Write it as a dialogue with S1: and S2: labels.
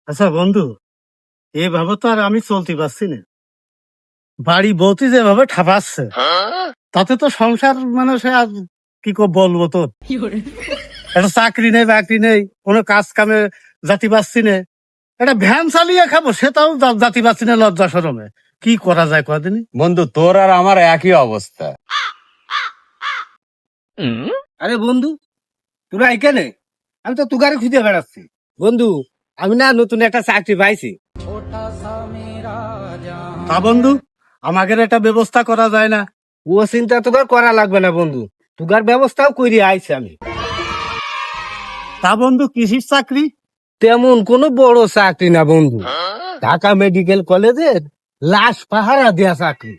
S1: আচ্ছা বন্ধু, এভাবে তো আর আমি চলতে পারছি না। বাড়ি বউতি যেভাবে ঠাপাচ্ছে, তাতে তো সংসার মানে সে আর কি বলবো তোর। একটা চাকরি নেই বাকরি নেই, কোনো কাজ কামে জাতি পাচ্ছি না। একটা ভ্যান চালিয়ে খাবো সেটাও জাতি পাচ্ছি না লজ্জা শরমে। কি করা যায় কদিনই।
S2: বন্ধু, তোর আর আমার একই অবস্থা।
S3: আরে বন্ধু, তোরা এখানে? আমি তো তুগারে খুঁজে বেড়াচ্ছি। বন্ধু, আমি না নতুন একটা চাকরি পাইছি।
S1: তা বন্ধু, আমাদের একটা ব্যবস্থা করা যায় না?
S3: ও চিন্তা তোর করা লাগবে না বন্ধু, তুগার ব্যবস্থাও করে আইছি আমি।
S1: তা বন্ধু, কৃষির চাকরি?
S3: তেমন কোনো বড় চাকরি না বন্ধু, ঢাকা মেডিকেল কলেজের লাশ পাহারা দেয়া চাকরি।